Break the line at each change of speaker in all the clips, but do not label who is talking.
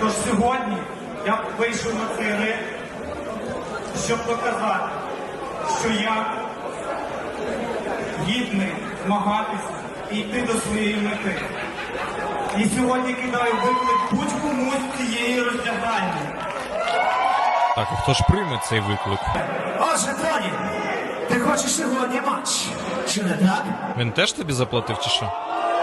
Тож сьогодні я вийшов на цей ринг, щоб доказати, що я гідний змагатися і йти до своєї мети. І сьогодні кидаю виклик будь-кому з цієї роздягальні.
Так, а хто ж прийме цей виклик?
Отже, Тоні, ти хочеш сьогодні матч, чи не так?
Він теж тобі заплатив чи що?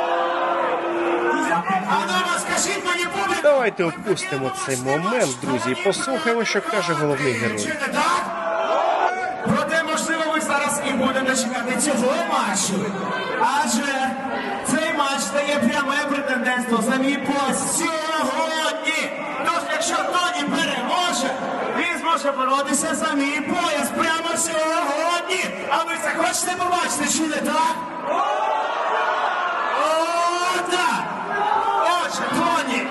А ну розкажіть мені, публіку,
Давайте опустимо цей момент, друзі, і послухаємо, що каже головний
чи
герой.
не так? Проте, можливо, ви зараз і будете чекати цього матчу. Адже цей матч дає пряме претендентство за мій пояс сьогодні. Тож, якщо Тоні переможе, він зможе боротися за мій пояс прямо сьогодні. А ви це хочете побачити, чи не так? О, так! Отже, Тоні,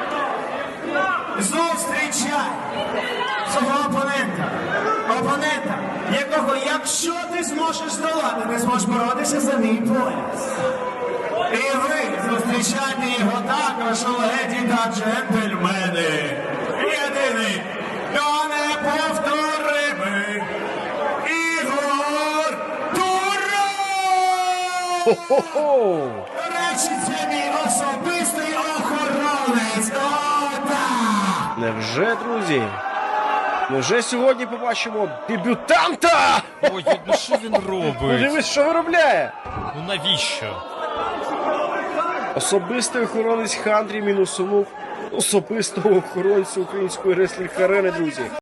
зустрічай свого опонента, якого, якщо ти зможеш здолати, не зможеш боротися за мій пояс. І ви зустрічайте його також, леді та джентльмени. Єдиний та неповторимий Ігор Тура!
Хо-хо-хо!
До речі, це мій особистий охоронець. О, так!
Невже, друзі? Невже сьогодні побачимо дебютанта?
Ой, ну що він робить?
Подивись, що виробляє.
Ну навіщо?
Особистий охоронець Хандрі мінусунув особистого охоронця української реслінг-арени, друзі.